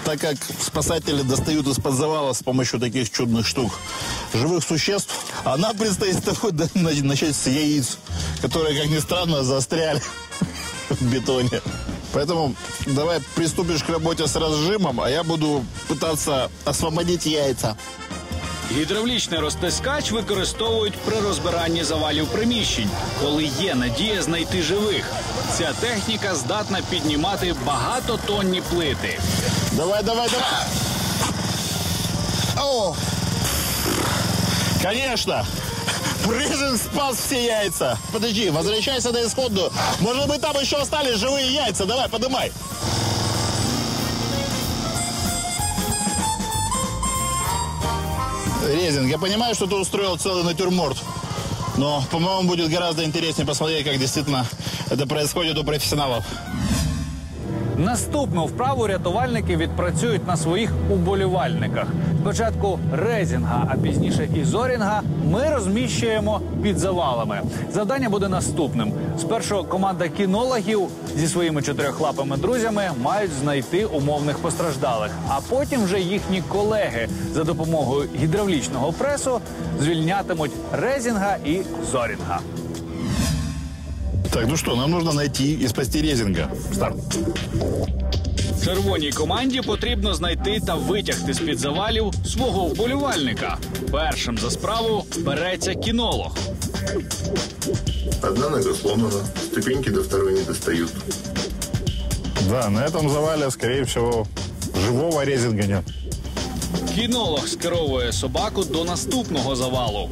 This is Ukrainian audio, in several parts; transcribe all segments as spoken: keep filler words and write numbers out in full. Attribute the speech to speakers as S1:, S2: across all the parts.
S1: так как спасатели достают из-под завала с помощью таких чудных штук живых существ, а нам предстоит с тобой начать с яиц, которые, как ни странно, застряли в бетоне. Поэтому давай приступишь к работе с разжимом, а я буду пытаться освободить яйца.
S2: Гідравлічний розтискач використовують при розбиранні завалів приміщень, коли є надія знайти живих. Ця техніка здатна піднімати багатотонні плити.
S1: Давай, давай, давай! О! Конечно! Прыжин спас все яйца! Подожди, возвращайся на исходную. Может быть, там еще остались живые яйца. Давай, поднимай. Резинг, я понимаю, что ты устроил целый натюрморт, но, по-моему, будет гораздо интереснее посмотреть, как действительно это происходит у профессионалов.
S2: Наступну вправу рятувальники відпрацюють на своїх уболівальниках. Спочатку резінга, а пізніше і зорінга ми розміщуємо під завалами. Завдання буде наступним. Спершу команда кінологів зі своїми чотирьохлапими друзями мають знайти умовних постраждалих, а потім вже їхні колеги за допомогою гідравлічного пресу звільнятимуть резінга і зорінга.
S1: Так, ну что, нам нужно найти и спасти резинга. Старт.
S2: Червоній команді потрібно знайти та витягти з-під завалів свого вболівальника. Першим за справу береться кінолог.
S3: Одна нога сломана, ступеньки до второй не достают.
S1: Да, на этом завале, скорее всего, живого резинга нет.
S2: Кінолог скеровує собаку до наступного завалу.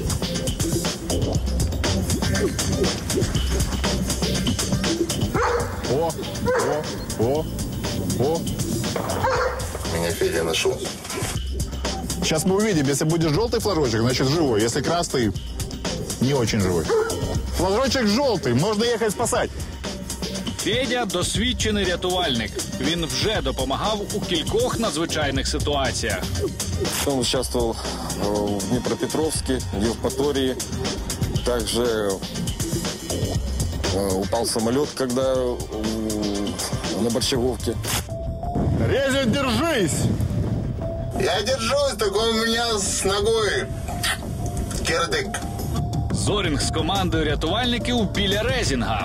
S1: О, о, о, о.
S3: Меня Федя нашел.
S1: Сейчас мы увидим, если будет желтый флажочек, значит живой. Если красный, не очень живой. Флажочек желтый, можно ехать спасать.
S2: Федя – досвідчений рятувальник. Він вже допомагав у кількох надзвичайних ситуаціях.
S4: Он участвовал в Днепропетровске, в Евпатории. Также упал самолет, когда на Борщаговке.
S1: Резин, держись!
S3: Я держусь, такой у меня с ногой кирдык.
S2: Зорінг з командою рятувальників біля резінга.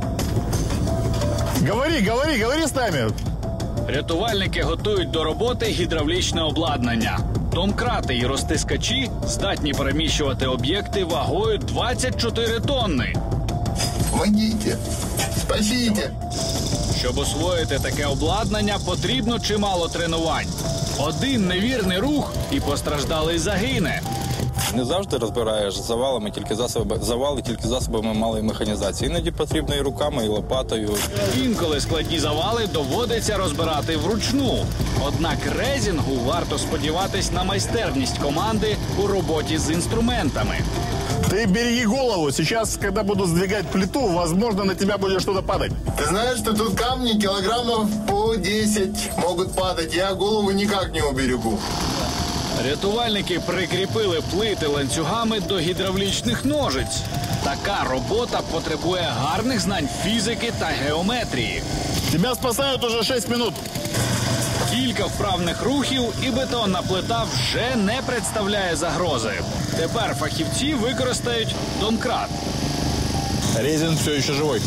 S1: Говори, говори, говори з нами.
S2: Рятувальники готують до роботи гідравлічне обладнання. Домкрати і розтискачі здатні переміщувати об'єкти вагою двадцять чотири тонни.
S3: Помогите, спасите.
S2: Щоб освоїти таке обладнання, потрібно чимало тренувань. Один невірний рух і постраждалий загине.
S4: Не завжди розбираєш завалами, тільки засоби, завали тільки засобами малої механізації. Іноді потрібно і руками, і лопатою.
S2: Інколи складні завали доводиться розбирати вручну. Однак резінгу варто сподіватись на майстерність команди у роботі з інструментами.
S1: Ты береги голову. Сейчас, когда буду сдвигать плиту, возможно, на тебя будет что-то падать.
S3: Ты знаешь, что тут камни килограммов по десять могут падать. Я голову никак не уберегу.
S2: Рятувальники прикріпили плити ланцюгами до гідравлічних ножиць. Така робота потребує гарних знань фізики та геометрії.
S1: Тебя спасают уже шесть минут.
S2: Кілька вправних рухів і бетонна плита вже не представляє загрози. Тепер фахівці використають домкрат.
S1: Резин все еще живой.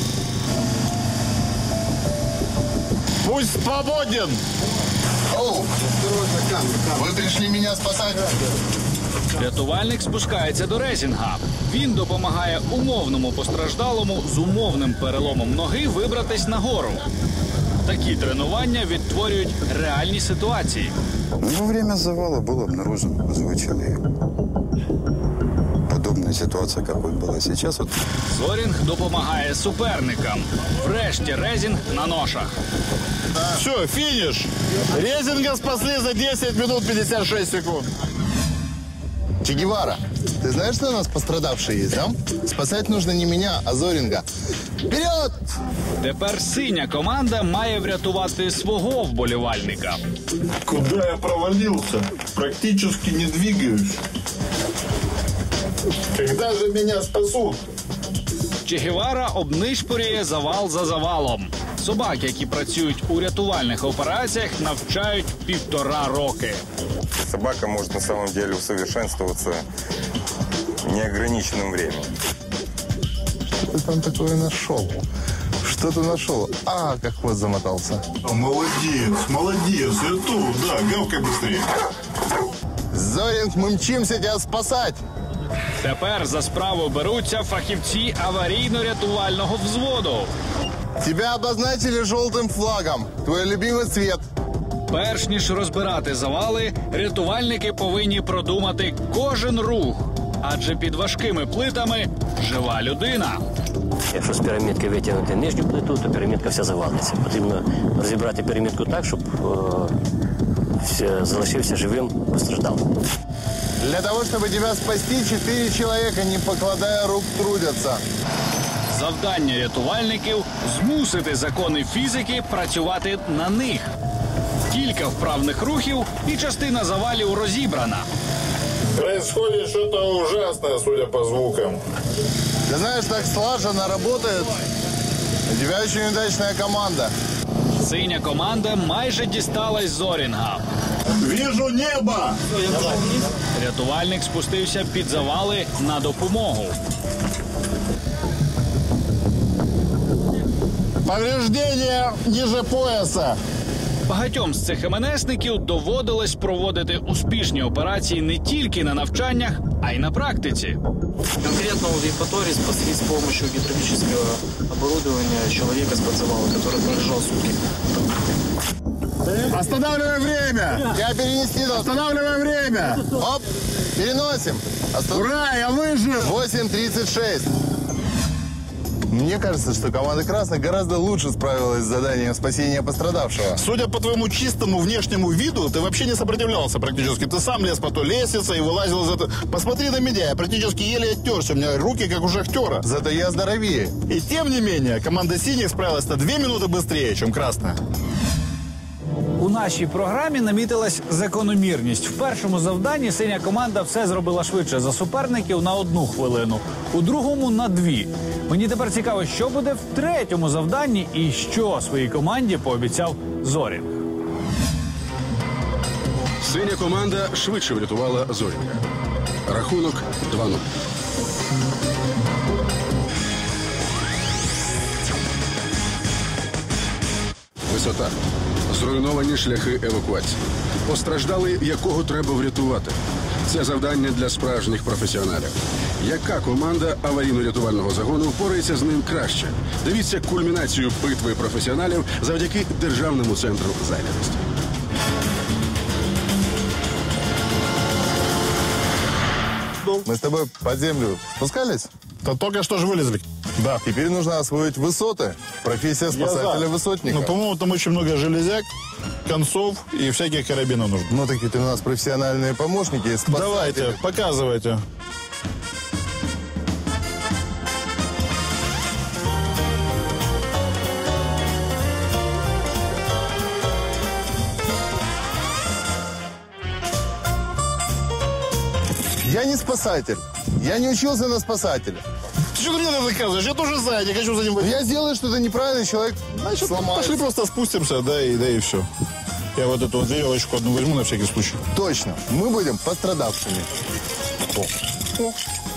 S1: Пусть свободен!
S3: Оу, вы пришли меня спасать?
S2: Рятувальник спускається до резінга. Він допомагає умовному постраждалому з умовним переломом ноги вибратись нагору. Такі тренування відтворюють реальні ситуації.
S5: Во время завала был обнаружен живой человек. Подобная ситуация, какой была сейчас. Вот.
S2: Зорінг допомагає суперникам. Врешті резінг на ношах.
S1: Все, финиш. Резинга спасли за десять минут пятьдесят шесть секунд.
S3: Че Гевара, ты знаешь, что у нас пострадавшие есть, да? Спасать нужно не меня, а Зоринга. Вперед!
S2: Тепер синя команда має врятувати свого вболівальника.
S1: Куда я провалился? Практически не двигаюсь.
S3: Когда же меня спасут?
S2: Че Гевара обнишпорює завал за завалом. собак, які працюють у рятувальних операціях, навчають півтора роки.
S6: Собака может на самом деле усовершенствоваться неограниченным временем.
S3: Что ты там такое нашел? Что ты нашел? А, как хвост замотался.
S1: Молодец, молодец. Я тут, да, гавкай быстрее.
S3: Зоринг, мы мчимся тебя спасать.
S2: Тепер за справу беруться фахівці аварійно-рятувального взводу.
S3: Тебя обозначили желтым флагом. Твой любимый цвет.
S2: Перш ніж розбирати завали, рятувальники повинні продумати кожен рух. Адже під важкими плитами жива людина.
S7: Якщо з пірамідки витягнути нижню плиту, то пірамідка вся завалиться. Потрібно розібрати пірамідку так, щоб е, залишився живим постраждалим.
S3: Для того, чтобы тебя спасти, четыре человека, не покладая рук, трудятся.
S2: Завдання рятувальників – змусити закони фізики працювати на них. Кілька вправних рухів і частина завалів розібрана.
S1: Происходит что-то ужасное, судя по звукам.
S3: Ты знаешь, так слаженно работает. У тебя очень удачная команда.
S2: Синя команда майже дісталась Зорінга.
S1: Вижу небо!
S2: Рятувальник спустився під завали на допомогу.
S1: Повреждение ниже пояса.
S2: Багатьом з цих ем-ен-есників доводилось проводити успішні операції не тільки на навчаннях, а й на практиці.
S8: Конкретно в Евпатории спасли с помощью гидравлического оборудования человека с подзавала, который пролежал сутки.
S1: Останавливаем время!
S3: Я перенести должен.
S1: Останавливаем время!
S3: Оп, переносим. Остан-
S1: Ура, я выжил!
S3: восемь тридцать шесть. Мне кажется, что команда «Красных» гораздо лучше справилась с заданием спасения пострадавшего.
S1: Судя по твоему чистому внешнему виду, ты вообще не сопротивлялся практически. Ты сам лез по той лестнице и вылазил из этого. Посмотри на меня, я практически еле оттерся. У меня руки как у шахтера.
S3: Зато я здоровее.
S1: И тем не менее, команда «Синих» справилась на две минуты быстрее, чем «Красная».
S2: У нашій програмі намітилась закономірність. В першому завданні синя команда все зробила швидше за суперників на одну хвилину, у другому – на дві. Мені тепер цікаво, що буде в третьому завданні і що своїй команді пообіцяв Зорінг.
S9: Синя команда швидше врятувала Зорінга. Рахунок два нуль. Висота. Зруйновані шляхи евакуації. Постраждали, якого треба врятувати. Це завдання для справжніх професіоналів. Яка команда аварійно-рятувального загону впорається з ним краще? Дивіться кульмінацію битви професіоналів завдяки Державному центру зайнятості.
S3: Мы с тобой под землю спускались?
S1: Да только что же вылезли. Да.
S3: Теперь нужно освоить высоты. Профессия спасателя-высотника.
S1: Ну, по-моему, там очень много железяк, концов и всяких карабинов нужно.
S3: Ну, такие ты у нас профессиональные помощники. Спасатели.
S1: Давайте, показывайте.
S3: Я не спасатель. Я не учился на спасателя.
S1: Ты что ты мне это доказываешь? Я тоже знаю, я хочу за ним...
S3: Я сделаю что-то неправильно, человек
S1: Значит,
S3: сломается.
S1: пошли просто спустимся, да и, да и все. Я вот эту вот веревочку одну возьму на всякий случай.
S3: Точно. Мы будем пострадавшими. О. О.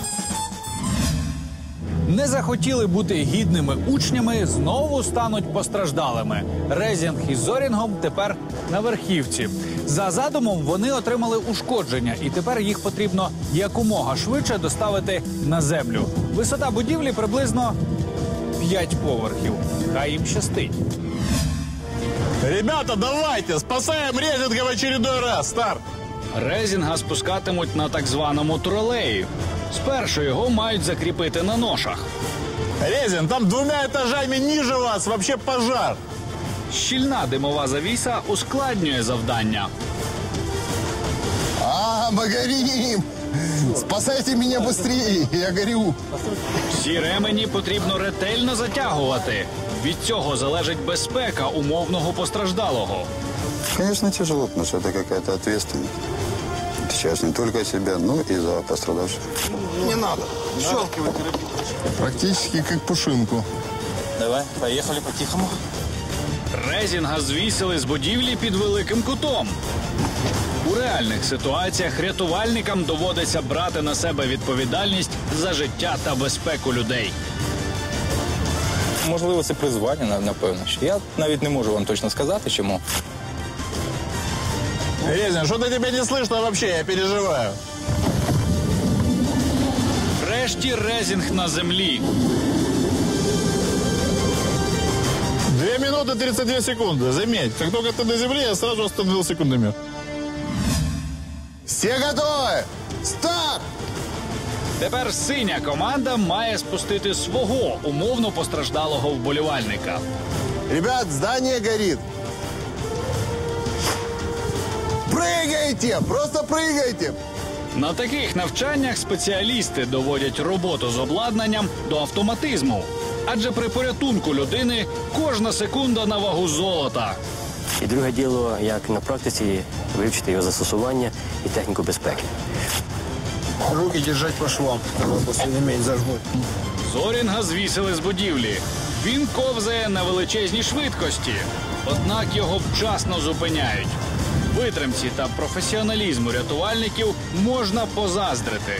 S2: Не захотіли бути гідними учнями, знову стануть постраждалими. Резінг із Зорінгом тепер на верхівці. За задумом вони отримали ушкодження, і тепер їх потрібно якомога швидше доставити на землю. Висота будівлі приблизно п'ять поверхів. Хай їм щастить.
S1: Ребята, давайте, спасаем Резинга в очередной раз, старт!
S2: Резінга спускатимуть на так званому тролеї. Спершу його мають закріпити на ношах.
S1: Резин, там двумя этажами ниже вас вообще пожар.
S2: Щільна димова завіса ускладнює завдання.
S3: А, мы горим! Спасайте меня быстрее, я горю.
S2: Всі ремені потрібно ретельно затягувати. Від цього залежить безпека умовного постраждалого.
S5: Конечно, тяжело, потому что это какая-то ответственность. Сейчас не только себя, но и за пострадавших.
S3: Не надо. Щелкивай. Практически как пушинку.
S4: Давай, поехали по-тихому.
S2: Резінга звісили з будівлі під Великим Кутом. У реальних ситуаціях рятувальникам доводиться брати на себе відповідальність за життя та безпеку людей.
S4: Можливо, це призвання, напевно. Я навіть не можу вам точно сказати, чому.
S1: Резин, что-то тебя не слышно вообще, я переживаю.
S2: Врешті Резінг на землі.
S1: Две минуты тридцать две секунды. Заметь, как только ты на земле, я сразу остановил секундомер.
S3: Все готовы? Старт!
S2: Тепер синя команда має спустити свого умовно постраждалого вболівальника.
S3: Ребят, здание горит. Прыгайте! Просто прыгайте!
S2: На таких навчаннях спеціалісти доводять роботу з обладнанням до автоматизму. Адже при порятунку людини кожна секунда на вагу золота.
S7: І друге діло, як на практиці вивчити його застосування і техніку безпеки.
S10: Руки держать по швам, после иметь зажмут.
S2: Зорінга звісили з будівлі. Він ковзає на величезній швидкості. Однак його вчасно зупиняють. Витримці та професіоналізму рятувальників можна позаздрити.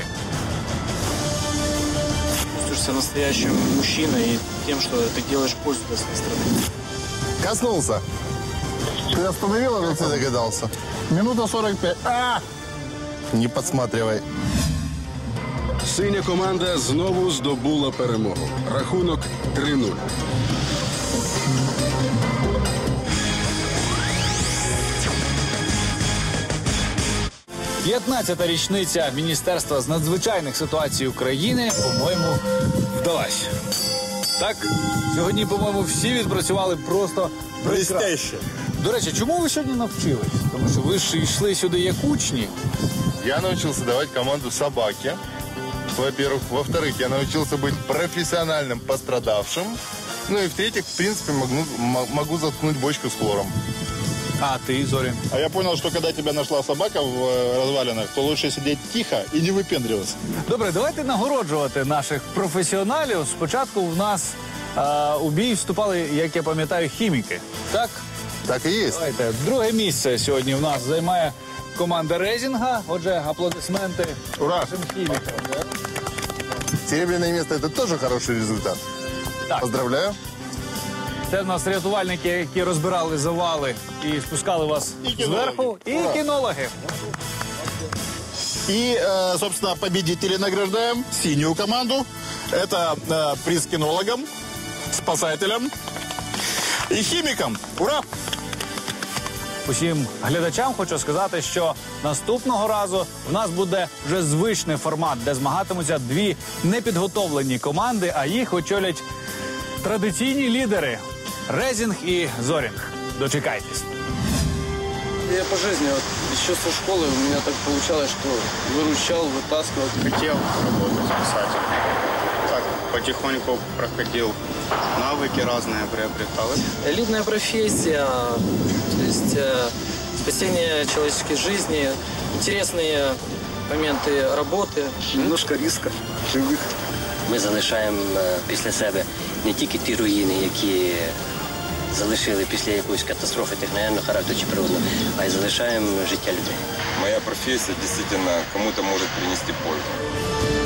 S8: Чувствуешься настоящим мужчиной и тем, что ты делаешь пользу для своей страны.
S3: Коснулся. Ты остановил, а ты догадался?
S1: Минута сорок пять. А!
S3: Не подсматривай.
S9: Синя команда знову здобула перемогу. Рахунок три нуль.
S2: п'ятнадцята річниця Міністерства з надзвичайних ситуацій України, по-моєму, вдалась. Так, сьогодні, по-моєму, всі відпрацювали просто
S1: Блестяще.
S2: До речі, чому ви сьогодні навчились? Тому що ви ж йшли сюди як учні.
S3: Я научился давать команду собаке. Во-первых. Во-вторых, я научился быть профессиональным пострадавшим. Ну и в-третьих, в принципе, могу, могу заткнуть бочку с хлором.
S2: А ти, Зорін?
S1: А я понял, что когда тебя нашла собака в э, развалинах, то лучше сидеть тихо и не выпендриваться.
S2: Добре, давайте нагороджувати наших професіоналів. Спочатку в нас е, у бій вступали, як я пам'ятаю, хіміки. Так?
S3: Так и есть.
S2: Давайте. Друге місце сьогодні в нас займає команда Резінга. Отже, аплодисменти
S1: Ура!
S2: нашим хімікам.
S3: Серебряное место – это тоже хороший результат.
S2: Так.
S3: Поздравляю.
S2: Це в нас рятувальники, які розбирали завали і спускали вас
S1: І кінологи.
S2: зверху. І
S1: Ура.
S2: кінологи.
S1: И, э, собственно, победителей награждаем синюю команду. Это э, приз кинологам, спасателям и химикам. Ура!
S2: Усім глядачам хочу сказати, що наступного разу в нас буде вже звичний формат, де змагатимуться дві непідготовлені команди, а їх очолять традиційні лідери – Резінг і Зорінг. Дочекайтесь.
S8: Я по жизни, вот, еще со школы у меня так получалось, что выручал, вытаскивал.
S11: Хотел работать писателем. Так, потихоньку проходил, навыки разные приобретал.
S8: Элитная профессия, то есть э, спасение человеческой жизни, интересные моменты работы.
S10: Немножко риска, живых.
S7: Ми залишаємо е, після себе не тільки ті руїни, які залишили після якоїсь катастрофи техногенного характеру чи природного, а й залишаємо життя людей.
S6: Моя профессия действительно кому-то может принести пользу.